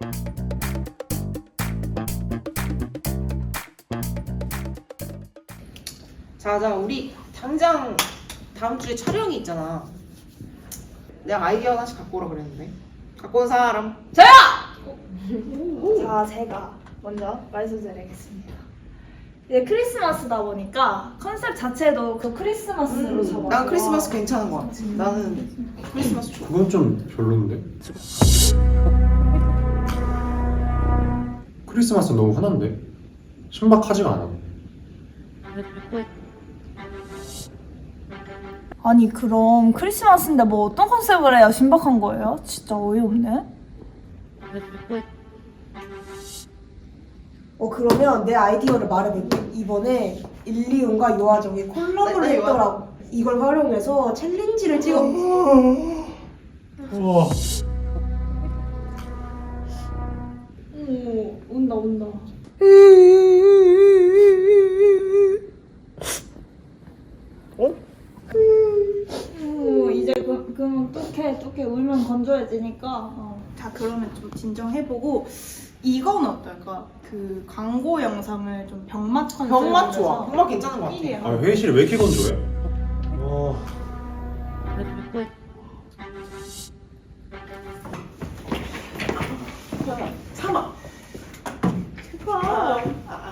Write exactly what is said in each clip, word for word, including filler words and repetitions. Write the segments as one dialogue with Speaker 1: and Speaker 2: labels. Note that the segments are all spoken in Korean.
Speaker 1: 자, 자, 우리 당장 다음 주에 촬영이 있잖아. 내가 아이디어 하나씩 갖고 오라 그랬는데. 갖고 온 사람.
Speaker 2: 저요! 자, 제가 먼저 말씀드리겠습니다. 이제 크리스마스다 보니까 컨셉 자체도 그 크리스마스로 잡아서
Speaker 1: 음, 난 크리스마스 괜찮은 것 같아. 나는 크리스마스 좋아.
Speaker 3: 그건 좀 별론데? 크리스마스 너무 흔한데? 신박하지가 않아.
Speaker 2: 아니 그럼 크리스마스인데 뭐 어떤 컨셉을 해야 신박한 거예요? 진짜 어이없네.
Speaker 4: 어 그러면 내 아이디어를 말해볼게. 이번에 일리온과 요아정이 콜라보를
Speaker 1: 네, 네,
Speaker 4: 했더라고. 이걸 활용해서 챌린지를 찍어.
Speaker 3: 우와.
Speaker 2: 오, 온다 온다.
Speaker 1: 어?
Speaker 2: 오, 이제 그, 그러면 뚝해 뚝해 울면 건조해지니까. 어.
Speaker 5: 자 그러면 좀 진정해보고 이건 어떨까? 그 광고 영상을 좀 병맛 컨셉으로
Speaker 1: 병맛 좋아.
Speaker 5: 해서
Speaker 1: 병맛 괜찮은 것 같아.
Speaker 5: 일이야.
Speaker 3: 아, 회의실이 왜 이렇게 건조해? 와.
Speaker 1: 참아.
Speaker 4: 제발.
Speaker 1: 아, 아.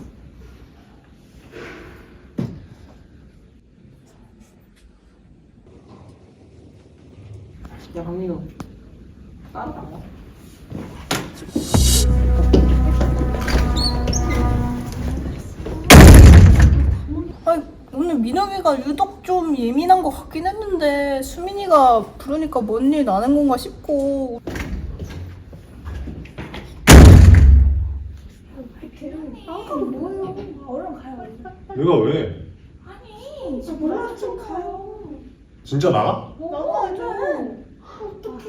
Speaker 1: 야, 박민호. 따로 나와.
Speaker 5: 아니, 오늘 민혁이가 유독 좀 예민한 것 같긴 했는데 수민이가 부르니까 뭔 일 나는 건가 싶고.
Speaker 2: 아 뭐예요? 얼른 가요.
Speaker 3: 내가 왜?
Speaker 2: 아니
Speaker 4: 저 몰라 좀 가요.
Speaker 3: 진짜 나가?
Speaker 4: 나와야죠. 어떡해.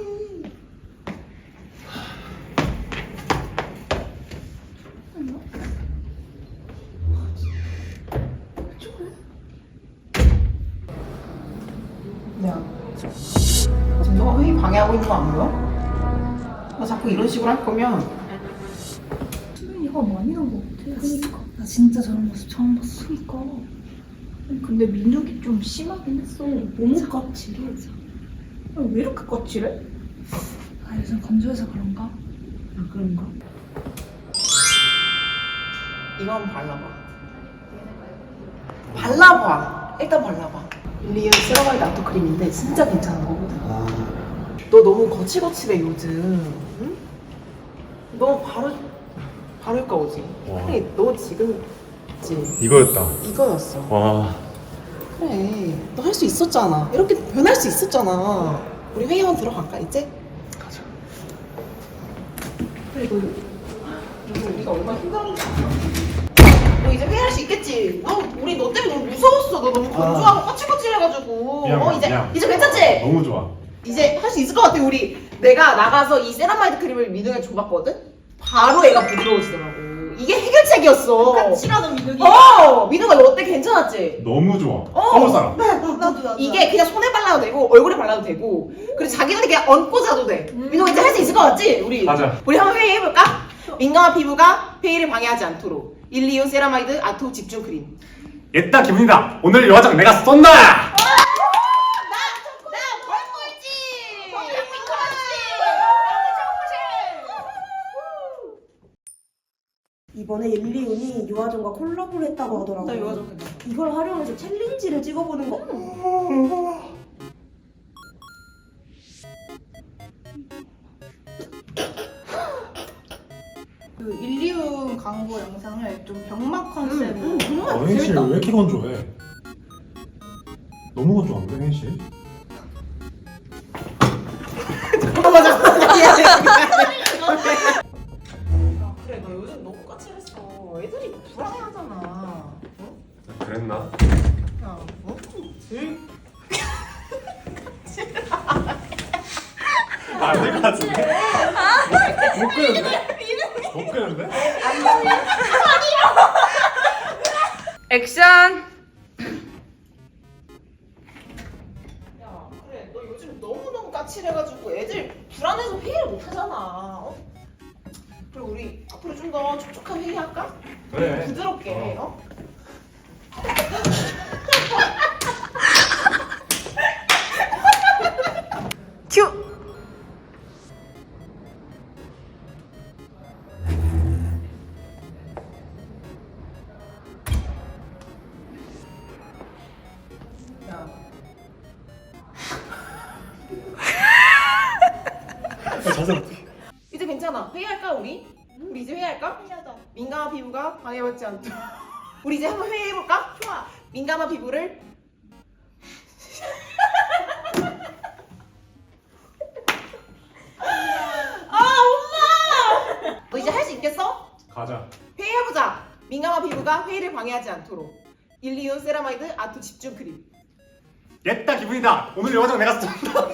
Speaker 1: 야, 지금 너가 회의 방해하고 있는 거 안 보여? 너 자꾸 이런 식으로 할 거면
Speaker 2: 수민이가 많이 난 거 같아. 그니까 나 진짜 저런 모습 처음 봤어. 그니까.
Speaker 5: 근데 민혁이 좀 심하긴 했어. 너무 까칠해. 아니, 왜 이렇게 까칠해?
Speaker 2: 아 요즘 건조해서 그런가?
Speaker 1: 아, 그런가? 이거 한번 발라봐. 발라봐. 일단 발라봐. 일리온 세라마이드 아토 크림인데 진짜 괜찮은 거거든.
Speaker 3: 아.
Speaker 1: 너 너무 거칠거칠해 요즘. 응? 너 바로 바로 효과 오지.
Speaker 3: 와.
Speaker 1: 그래, 너 지금 있지.
Speaker 3: 이거였다.
Speaker 1: 이거였어.
Speaker 3: 와.
Speaker 1: 그래, 너 할 수 있었잖아. 이렇게 변할 수 있었잖아. 우리 회의원 들어갈까 이제?
Speaker 3: 가자.
Speaker 1: 그래, 너 요즘 우리가 얼마나 힘들었는지 알아? 너 이제 회의할 수 있겠지? 너 우리 너 때문에 너무 무서웠어. 너 너무 건조하고 거칠거칠해가지고.
Speaker 3: 미안,
Speaker 1: 어 이제
Speaker 3: 미안.
Speaker 1: 이제 괜찮지?
Speaker 3: 너무 좋아.
Speaker 1: 이제 할 수 있을 것 같아. 우리 내가 나가서 이 세라마이드 크림을 민우에 줘봤거든. 바로 애가 부드러워지더라고. 이게 해결책이었어.
Speaker 5: 까칠하던 민혁이.
Speaker 1: 어, 민우가 너 어때? 괜찮았지?
Speaker 3: 너무 좋아.
Speaker 1: 어.
Speaker 3: 서울 사람.
Speaker 5: 나도 나도.
Speaker 1: 이게 그냥 손에 발라도 되고 얼굴에 발라도 되고 그리고 자기는 그냥 얹고 자도 돼. 민호가 이제 할 수 있을 것 같지? 우리
Speaker 3: 가자.
Speaker 1: 우리 한번 회의해볼까? 민감한 피부가 회의를 방해하지 않도록 일리온 세라마이드 아토 집중 크림.
Speaker 3: 옛다 김은이다. 오늘 요화장 내가 쏜다.
Speaker 1: 나 벌꿀지.
Speaker 4: 이번에 일리온이 요아정과 콜라보를 했다고 하더라고.
Speaker 1: 나 요아정 괜찮아.
Speaker 4: 이걸 활용해서 챌린지를 찍어보는 거.
Speaker 5: 그 일리온 광고 영상을 좀 병맛 컨셉으로.
Speaker 1: 응, 정말
Speaker 3: 어, 회의실
Speaker 1: 재밌다.
Speaker 3: 왜 이렇게 건조해? 너무 건조한데 회의실?
Speaker 1: 맞아. 그래, 너 요즘 너무 까칠했어. 애들이 불안해하잖아. 어?
Speaker 3: 그랬나?
Speaker 1: 야, 어? 제일
Speaker 3: 안될 것 같은데? 못 끄는데? 못 끄는데?
Speaker 2: 액션.
Speaker 1: 야, 그래, 너 요즘 너무너무 까칠해가지고 애들 불안해서 회의를 못 하잖아. 어? 그리고 우리 앞으로 좀 더 촉촉한 회의할까?
Speaker 3: 그래.
Speaker 1: 부드럽게. 어?
Speaker 5: 큐!
Speaker 1: 야.
Speaker 3: 자세 어떻게?
Speaker 1: 이제 괜찮아. 회의할까 우리? 우리 이제 회의할까?
Speaker 2: 회의하자.
Speaker 1: 민감한 피부가 방해받지 않도록. 우리 이제 한번 회의해볼까? 좋아. 민감한 피부를 아 엄마! 너 이제 할 수 있겠어?
Speaker 3: 가자.
Speaker 1: 회의해보자. 민감한 피부가 회의를 방해하지 않도록. 일리온 세라마이드 아토 집중 크림.
Speaker 3: 옛다 기분이다. 오늘 영화장 내가 쏜다.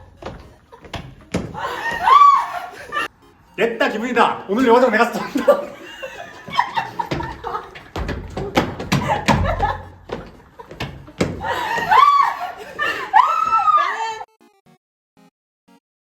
Speaker 3: 옛다 기분이다. 오늘 영화장 내가 쏜다.